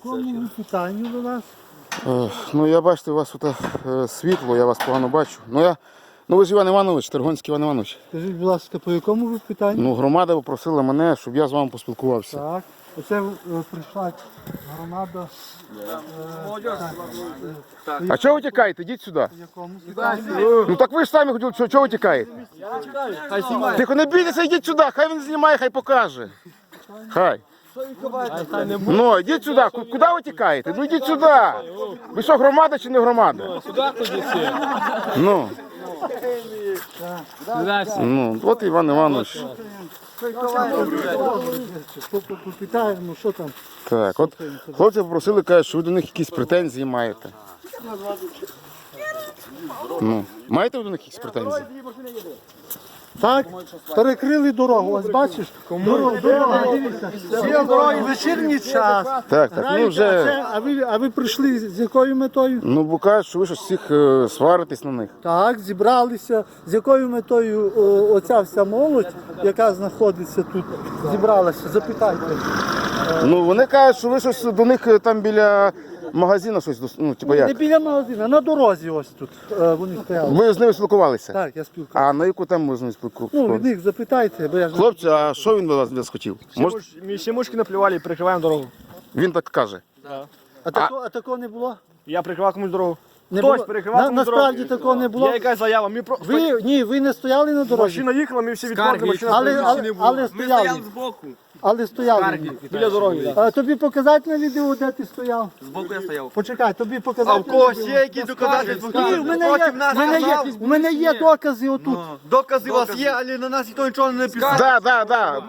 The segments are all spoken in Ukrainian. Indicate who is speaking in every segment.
Speaker 1: якому питанню до нас?
Speaker 2: Ну я бачите, у вас тут світло, я вас погано бачу. Ну ви ж Іван Іванович, Тергонський Іван Іванович.
Speaker 1: Скажіть, будь ласка, по якому ви питанню?
Speaker 2: Ну громада попросила мене, щоб я з вами поспілкувався.
Speaker 1: Так. Оце прийшла громада.
Speaker 2: А чого ви тікаєте? Ідіть сюди.
Speaker 1: По якому питанню?
Speaker 2: Ну так ви ж самі хотіли, чого ви тікаєте? Тихо, не бійтеся, йдіть сюди, хай він знімає, хай покаже. Хай. Ну, йдіть сюди, куди ви тікаєте? Ну йдіть сюди. Ви що, громада чи не громада?
Speaker 3: Сюди ходіть.
Speaker 2: Ну. Ну, от Іван Іванович.
Speaker 1: Попитаємо, що там.
Speaker 2: Так, от хлопці попросили, кажуть, що ви до них якісь претензії маєте. Ну, маєте ви до них якісь претензії?
Speaker 1: Так, перекрили дорогу, ось бачиш? Дорога, дивіться. Всі дороги, вечірній час.
Speaker 2: Так, ну вже...
Speaker 1: А ви прийшли з якою метою?
Speaker 2: Ну, бо кажуть, що ви щось всіх сваритесь на них.
Speaker 1: Так, зібралися. З якою метою оця вся молодь, яка знаходиться тут, зібралася? Запитайте.
Speaker 2: Ну, вони кажуть, що ви щось до них там біля магазину щось, ну, типу
Speaker 1: Не
Speaker 2: як?
Speaker 1: біля магазину, на дорозі ось тут вони стояли.
Speaker 2: Ви з ними спілкувалися?
Speaker 1: Так, я спілкуюся.
Speaker 2: А на яку тему ви з ними
Speaker 1: Ну,
Speaker 2: спілкувалися?
Speaker 1: від них запитайте, бо я ж...
Speaker 2: Хлопці, а що він від вас хотів? Може,
Speaker 3: Всі мушки наплювали і прикриваємо дорогу.
Speaker 2: він так каже.
Speaker 1: А такого не було?
Speaker 3: Я прикривав комусь дорогу.
Speaker 1: Не
Speaker 3: Хтось
Speaker 1: було?
Speaker 3: перекривав комусь
Speaker 1: Насправді
Speaker 3: дорогу.
Speaker 1: такого не було?
Speaker 3: Є якась заява.
Speaker 1: Ви не стояли на дорозі?
Speaker 3: Машина їхала, ми всі відходили, машина
Speaker 1: Але стояли.
Speaker 4: збоку.
Speaker 1: Але стояли.
Speaker 3: біля дороги.
Speaker 1: А тобі показати на відео, де ти стояв?
Speaker 4: Збоку я стояв.
Speaker 1: Почекай, тобі показати.
Speaker 4: А в когось є якісь доказательства?
Speaker 1: Ні, у мене є докази отут.
Speaker 4: Докази у вас є, але на нас ніхто нічого не написав.
Speaker 2: Да.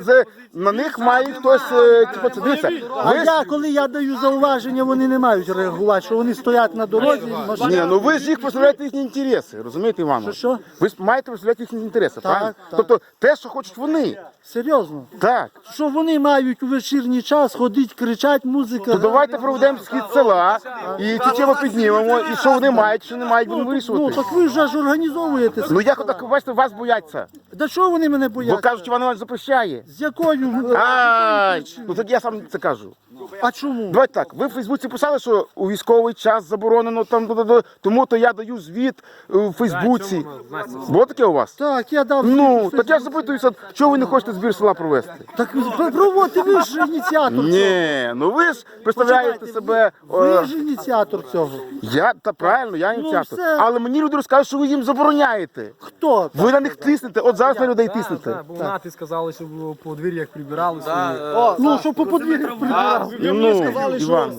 Speaker 2: На них має хтось, типу, це дивіться.
Speaker 1: А коли я даю зауваження, вони не мають реагувати, що вони стоять на дорозі.
Speaker 2: Ні, ну ви ж їх представляєте їхні інтереси, розумієте, Іванович?
Speaker 1: Що?
Speaker 2: Ви ж маєте представляти їхні інтереси, правильно? Тобто те, що хочуть вони.
Speaker 1: Серйозно.
Speaker 2: Так.
Speaker 1: Що вони мають у вечірній час ходити, кричать, музика.
Speaker 2: То давайте проведемо схід села і ці теми піднімемо, і що вони мають, що не мають, будемо
Speaker 1: Ну,
Speaker 2: вирішувати.
Speaker 1: так ви вже ж організовуєте.
Speaker 2: Ну як отак, бачите, вас бояться.
Speaker 1: Да чого вони мене
Speaker 2: Бо
Speaker 1: бояться?
Speaker 2: кажуть, Іван Іванович запрещає.
Speaker 1: З якою?
Speaker 2: Ай, ну так я сам це кажу.
Speaker 1: А чому?
Speaker 2: Давайте так, ви в Фейсбуці писали, що у військовий час заборонено там, тому то я даю звіт у Фейсбуці. Було таке у вас?
Speaker 1: Так, я дав.
Speaker 2: Ну, так я ж запитуюся, чого ви не хочете збір села провести?
Speaker 1: Так проводьте, ви ж ініціатор.
Speaker 2: Ні, ну ви ж представляєте себе.
Speaker 1: Ви ж ініціатор цього.
Speaker 2: Та правильно, я ініціатор.
Speaker 1: все.
Speaker 2: Але мені люди розказують, що ви їм забороняєте.
Speaker 1: Хто?
Speaker 2: Ви на них тиснете, от зараз на людей тиснете.
Speaker 3: Бо ти сказали, що в подвір'ях прибиралися.
Speaker 1: Ну, що по подвір'ях прибирав.
Speaker 2: Ну, Іван.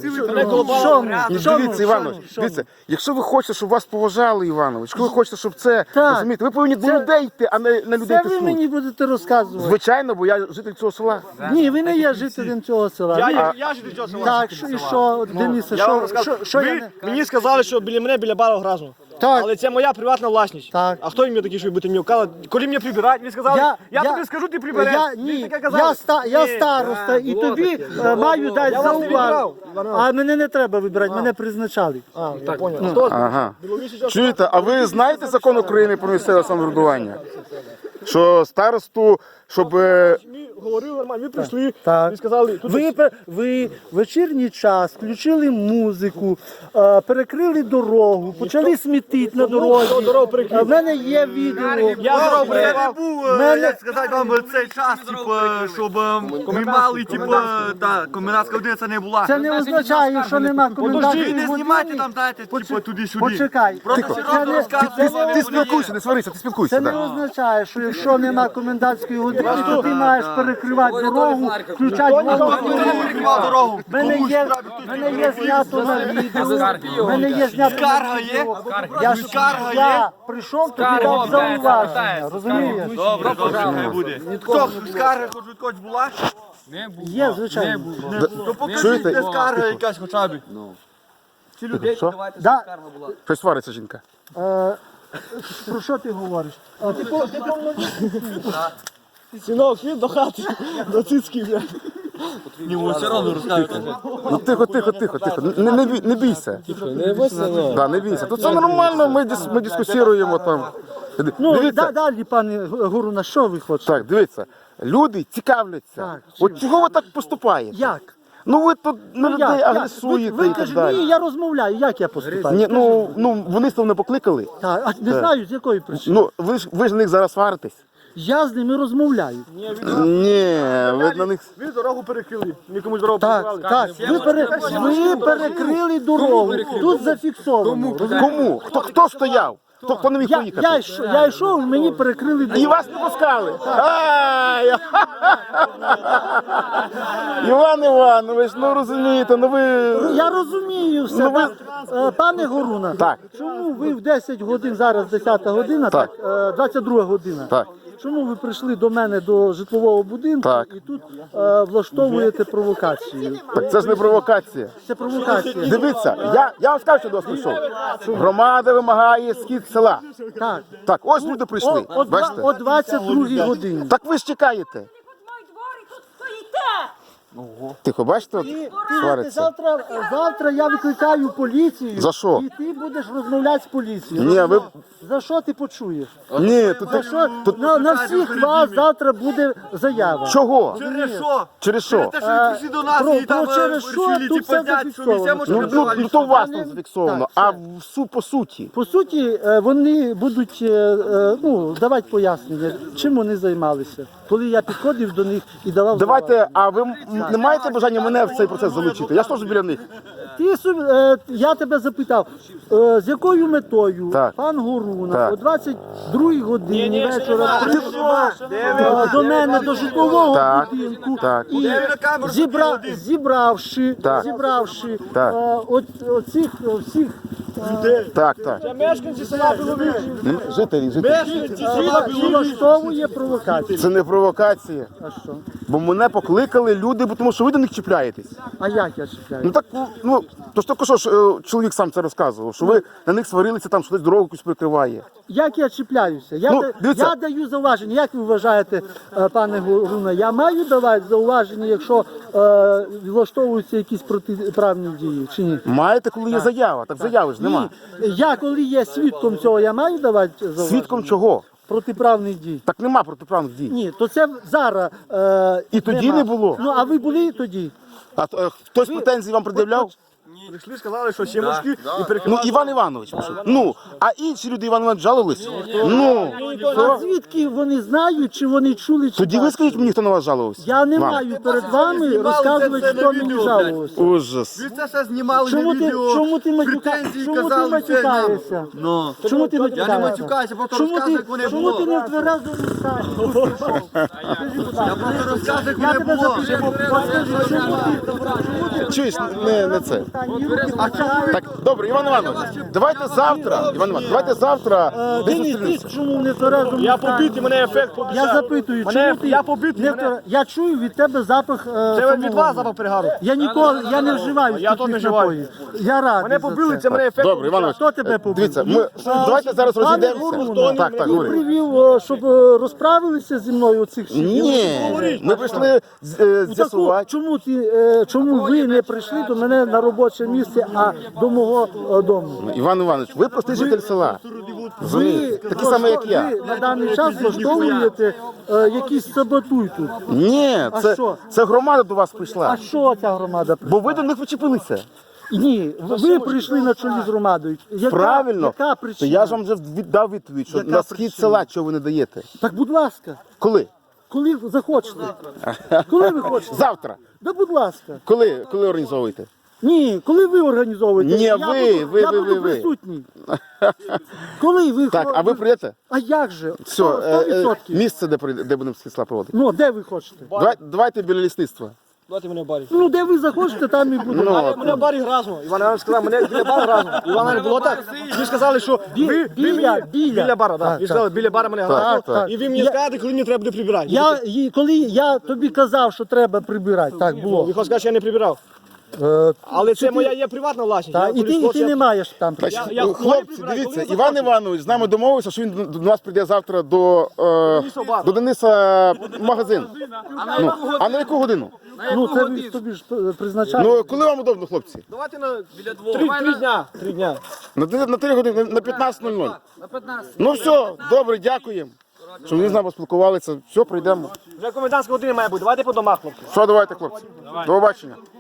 Speaker 2: Ну, дивіться, Іванович, дивіться, якщо ви хочете, щоб вас поважали, Іванович, якщо ви хочете, щоб це,
Speaker 1: Так.
Speaker 2: розумієте, ви повинні до людей йти, а не на людей
Speaker 1: Це ви
Speaker 2: тиснути.
Speaker 1: мені будете розказувати.
Speaker 2: Звичайно, бо я житель цього села.
Speaker 1: Ні, ви не є жителем цього села.
Speaker 3: Я ж до цього села.
Speaker 1: Так, і що, Денисе,
Speaker 3: Я вам
Speaker 1: що
Speaker 3: розказую.
Speaker 1: я
Speaker 3: Ви
Speaker 1: не...
Speaker 3: мені сказали, що біля мене, біля бару граждан.
Speaker 1: Так.
Speaker 3: Але це моя приватна власність.
Speaker 1: Так.
Speaker 3: А хто мені такий, що ви будете мені вказувати? Коли мені прибирають, ви сказали, я тобі скажу, ти прибереш.
Speaker 1: Ні,
Speaker 3: Ви таке казали?
Speaker 1: я староста, і тобі маю дати
Speaker 3: вас не
Speaker 1: зауваження.
Speaker 3: вибирав,
Speaker 1: А мене не треба вибирати, мене призначали.
Speaker 3: Так, понял. Хто?
Speaker 2: Ага. Чуєте, а ви знаєте закон України про місцеве самоврядування? Що старосту, щоб...
Speaker 3: Ми говорили нормально, ви прийшли,
Speaker 1: Так.
Speaker 3: ви сказали, тут
Speaker 1: Ви вечірній час включили музику, перекрили дорогу, почали смітити на дорозі.
Speaker 3: дорогу перекрили.
Speaker 1: В мене є відео.
Speaker 3: я дорогу
Speaker 4: Я не
Speaker 3: перебував.
Speaker 4: був,
Speaker 1: Мене-
Speaker 4: як сказати вам, цей час, щоб ми мали, та комендантська година це не була.
Speaker 1: Це не означає, що нема
Speaker 4: Ви
Speaker 1: комендантської
Speaker 4: не знімайте
Speaker 1: години.
Speaker 4: там, знаєте, туди-сюди.
Speaker 1: Почекай.
Speaker 4: Просто серйозно розказуємо.
Speaker 2: Ти спілкуйся, не сварися, ти спілкуйся.
Speaker 1: Це не означає, що якщо нема комендантської години, то ти маєш перекривати дорогу, включати
Speaker 4: Дорогу.
Speaker 1: В мене є знято на відео. В мене є знято на
Speaker 4: Скарга є?
Speaker 1: відео. Я прийшов, тобі дав зауваження, розумієш?
Speaker 4: Добре, хай буде. Хто скарга хоч від когось була?
Speaker 1: Є, звичайно.
Speaker 4: То покажіть,
Speaker 2: Чуєте?
Speaker 4: де скарга якась хоча б. Ці людей,
Speaker 2: Що?
Speaker 4: давайте,
Speaker 1: Да.
Speaker 4: скарга була.
Speaker 2: Щось свариться жінка.
Speaker 1: Про що ти говориш?
Speaker 3: Синок, їдь до хати, до цицьків, бля.
Speaker 4: Все одно розказуйте.
Speaker 2: Ну тихо. Не бійся.
Speaker 3: Не бойся, ну.
Speaker 2: Да, не бійся. Тут все нормально, ми дискусіруємо там.
Speaker 1: Ну,
Speaker 2: Дивіться.
Speaker 1: далі, пане Гуру, на що ви хочете?
Speaker 2: Так, дивіться, люди цікавляться.
Speaker 1: Так,
Speaker 2: От чого ви так поступаєте?
Speaker 1: Як?
Speaker 2: Ну ви тут на людей
Speaker 1: Як?
Speaker 2: агресуєте
Speaker 1: Ви
Speaker 2: і так
Speaker 1: кажете,
Speaker 2: далі.
Speaker 1: ні, я розмовляю, як я поступаю?
Speaker 2: Ні, ну вони з того не покликали.
Speaker 1: Так, а не знаю, з якої причини.
Speaker 2: Ну ви ж на них зараз сваритесь.
Speaker 1: Я з ними розмовляю.
Speaker 2: Ні, ви на них.
Speaker 3: Ви дорогу перекрили. Нікомусь дорогу
Speaker 1: Так,
Speaker 3: перекривали.
Speaker 1: так, ви перекрили дорогу. Тут зафіксовано.
Speaker 2: Кому? Хто стояв? Хто не міг поїхати?
Speaker 1: Я йшов, мені перекрили
Speaker 2: І
Speaker 1: дорогу.
Speaker 2: вас не пускали. Ай! Іван Іванович, ну розумієте, ну ви.
Speaker 1: Я розумію все.
Speaker 2: Ну, ви-
Speaker 1: Пане Горуна,
Speaker 2: Так.
Speaker 1: чому ви в 10 годин, зараз 10 година,
Speaker 2: Так.
Speaker 1: 22 година.
Speaker 2: Так.
Speaker 1: Чому ви прийшли до мене до житлового будинку
Speaker 2: Так.
Speaker 1: і тут влаштовуєте провокацію?
Speaker 2: Так це ж не провокація.
Speaker 1: Це провокація.
Speaker 2: Дивіться, я вам скажу, що до вас прийшов. Громада вимагає схід села.
Speaker 1: Так.
Speaker 2: Так, ось люди прийшли. Бачите?
Speaker 1: О 22 годині.
Speaker 2: Так ви ж чекаєте.
Speaker 5: Мой дворик тут стоїте!
Speaker 2: Тихо, бачите, от
Speaker 1: Ти
Speaker 2: свариться.
Speaker 1: завтра я викликаю поліцію.
Speaker 2: За що?
Speaker 1: І ти будеш розмовляти з поліцією.
Speaker 2: Ні, ви.
Speaker 1: За що ти почуєш?
Speaker 2: Ні, тут.
Speaker 1: За що? На всіх вас завтра буде заява.
Speaker 2: Чого?
Speaker 4: Через що?
Speaker 2: Через що?
Speaker 4: Те, що ви прийшли до нас
Speaker 1: Про-
Speaker 4: і там
Speaker 1: про через що
Speaker 4: вирішили,
Speaker 1: тут
Speaker 4: типа,
Speaker 1: все
Speaker 4: взяти, що
Speaker 1: зафіксовано.
Speaker 4: нельзя, може,
Speaker 2: Ну,
Speaker 4: прибивати,
Speaker 2: то у вас
Speaker 1: Вони-
Speaker 2: там зафіксовано,
Speaker 1: так,
Speaker 2: а
Speaker 1: все.
Speaker 2: по суті.
Speaker 1: По суті, вони будуть давати пояснення, чим вони займалися, коли я підходив до них і давав.
Speaker 2: Давайте, а ви не маєте бажання мене в цей процес залучити? Я ж теж біля них.
Speaker 1: Я тебе запитав, з якою метою
Speaker 2: Так.
Speaker 1: пан Горуна
Speaker 2: Так.
Speaker 1: о 22 годині вечора прийшов до мене до житлового
Speaker 2: Так.
Speaker 1: будинку
Speaker 2: Так.
Speaker 1: і зібравши
Speaker 2: Так. Так.
Speaker 1: оцих всіх
Speaker 2: Так.
Speaker 3: Мешканці села Біловіж.
Speaker 2: Жителі.
Speaker 1: влаштовує провокацію.
Speaker 2: Це не провокація.
Speaker 1: А що?
Speaker 2: Бо мене покликали люди, бо тому що ви до них чіпляєтесь.
Speaker 1: А як я чіпляю?
Speaker 2: Ну так, то ж тільки що ж чоловік сам це розказував, що ви на них сварилися, там що десь дорогу якусь прикриває.
Speaker 1: Як я чіпляюся?
Speaker 2: Дивіться.
Speaker 1: Я даю зауваження. Як ви вважаєте, пане Горуна, я маю давати зауваження, якщо влаштовуються якісь протиправні дії чи ні?
Speaker 2: Маєте, коли є заява, так заяви ж нема.
Speaker 1: Ні. Я коли є свідком цього, я маю давати зауваження?
Speaker 2: Свідком чого?
Speaker 1: Протиправних дій.
Speaker 2: Так нема протиправних дій.
Speaker 1: Ні, то це зараз.
Speaker 2: І тоді
Speaker 1: нема.
Speaker 2: не було.
Speaker 1: Ну, а ви були тоді?
Speaker 2: А хтось претензії вам пред'являв?
Speaker 3: Прийшли, сказали, що сімочки і
Speaker 2: Ну,
Speaker 3: перекривали.
Speaker 2: Іван Іванович, пішов. Ну, а інші люди Іван Іванович жалувались? Ну,
Speaker 1: А звідки вони знають, чи вони чули, чи
Speaker 2: тоді ви
Speaker 1: бачили?
Speaker 2: скажіть мені, хто на вас жалувався?
Speaker 1: Я не
Speaker 2: Вам.
Speaker 1: маю перед вами розказувати,
Speaker 4: це
Speaker 1: хто
Speaker 4: на
Speaker 1: мені
Speaker 4: відео,
Speaker 1: жалувався.
Speaker 2: Ужас.
Speaker 4: Ви це все знімали
Speaker 1: Чому
Speaker 4: на
Speaker 1: ти,
Speaker 4: відео,
Speaker 1: чому ти
Speaker 4: претензії
Speaker 1: чому ти
Speaker 4: казали, це нам.
Speaker 1: матюкаєшся?
Speaker 4: Ну.
Speaker 1: Чому ти
Speaker 4: Я не
Speaker 1: матюкаєшся?
Speaker 4: матюкаюся, просто
Speaker 1: Чому
Speaker 4: розказую,
Speaker 1: ти,
Speaker 4: як вони
Speaker 1: чому ти
Speaker 4: було.
Speaker 1: не в тверезому стані? Скажи, будь ласка.
Speaker 4: Просто розказую,
Speaker 1: Я
Speaker 4: як
Speaker 1: тебе
Speaker 4: вони було.
Speaker 1: запитую, скажи, чому ти
Speaker 2: Чуєш, не це.
Speaker 1: в стані руки почали?
Speaker 2: Так, добре, Іван Іванович, давайте завтра, Іван Іванович, давайте завтра десь
Speaker 1: Денис,
Speaker 2: зустрінемося.
Speaker 1: ти чому не в тверезому
Speaker 3: Я
Speaker 1: стані?
Speaker 3: побитий, мене ефект побіжав.
Speaker 1: Я запитую, чому ти
Speaker 3: Я побитий,
Speaker 1: не в твер- Я чую від тебе запах
Speaker 3: Це від
Speaker 1: самогону.
Speaker 3: вас запах перегару.
Speaker 1: Я ніколи, я не вживаю
Speaker 3: Я
Speaker 1: спиртних
Speaker 3: то не вживаю.
Speaker 1: напоїв. Я радий
Speaker 3: Мене
Speaker 1: за
Speaker 3: побили,
Speaker 1: це.
Speaker 3: це мене ефект
Speaker 2: Добре, Іван Іванович,
Speaker 1: Хто тебе побив?
Speaker 2: дивіться, давайте зараз
Speaker 1: Пане
Speaker 2: розійдемося.
Speaker 1: Горуна,
Speaker 2: Так,
Speaker 1: ти
Speaker 2: говори.
Speaker 1: привів, щоб розправилися зі мною оцих всіх?
Speaker 2: Ні, ми прийшли
Speaker 1: Ну,
Speaker 2: з'ясувати.
Speaker 1: чому ви не прийшли до мене на робоче місце, а до мого дому?
Speaker 2: Іван Іванович, ви простий житель села. Розумієте? Такі самі, як я.
Speaker 1: Ви на даний час влаштовуєте якийсь саботуй тут.
Speaker 2: Ні,
Speaker 1: А що?
Speaker 2: це громада до вас
Speaker 1: А
Speaker 2: прийшла.
Speaker 1: що ця громада?
Speaker 2: Бо ви до них почепилися.
Speaker 1: Ні, ви прийшли на чолі з громадою.
Speaker 2: Правильно.
Speaker 1: Яка
Speaker 2: То
Speaker 1: причина?
Speaker 2: я ж вам вже дав відповідь, що
Speaker 1: Яка
Speaker 2: на схід
Speaker 1: причина?
Speaker 2: села чого ви не даєте.
Speaker 1: Так, будь ласка,
Speaker 2: Коли?
Speaker 1: коли захочете. Коли ви хочете?
Speaker 2: Завтра.
Speaker 1: Да, будь ласка.
Speaker 2: Коли організовуєте?
Speaker 1: Ні, коли ви організовуєте,
Speaker 2: Ні,
Speaker 1: я
Speaker 2: ви,
Speaker 1: буду, я
Speaker 2: ви,
Speaker 1: буду
Speaker 2: ви.
Speaker 1: присутній. Коли ви
Speaker 2: Так, а ви прийдете?
Speaker 1: А як же?
Speaker 2: Все,
Speaker 1: 100%.
Speaker 2: місце, де будемо схід села проводити.
Speaker 1: Ну, де ви хочете?
Speaker 2: Давайте біля лісництва.
Speaker 3: Давайте мене в барі.
Speaker 1: Ну, де ви захочете, там і буде.
Speaker 3: Мене в барі гразно. Іван Іванович сказав, мене біля бара гразно. Іван Іванович, було так? Ви сказали, що ви біля бара, так. Ви сказали, біля бара мене гразно.
Speaker 2: так.
Speaker 3: І ви мені скажете, коли мені треба буде прибирати.
Speaker 1: Коли я тобі казав, що треба прибирати, так було.
Speaker 3: Ви хочете сказати, що я не прибирав. Але це моя є приватна власність.
Speaker 1: Так, і ти не маєш там прибирати.
Speaker 2: Хлопці, дивіться, Іван Іванович з нами домовився, що він до нас прийде завтра до Дениса в магазин. Ну, а на яку годину?
Speaker 1: Ну, це ви тобі ж призначаєте.
Speaker 2: Ну, коли вам удобно, хлопці?
Speaker 3: Давайте на три дня. 3 дня.
Speaker 2: На 3 години, на 15:00. Ну все, добре, дякуємо. Що ми з нами поспілкувалися. Все, прийдемо.
Speaker 3: Вже комендантська година має бути. Давайте по домах, хлопці.
Speaker 2: Що, давайте, хлопці. До побачення.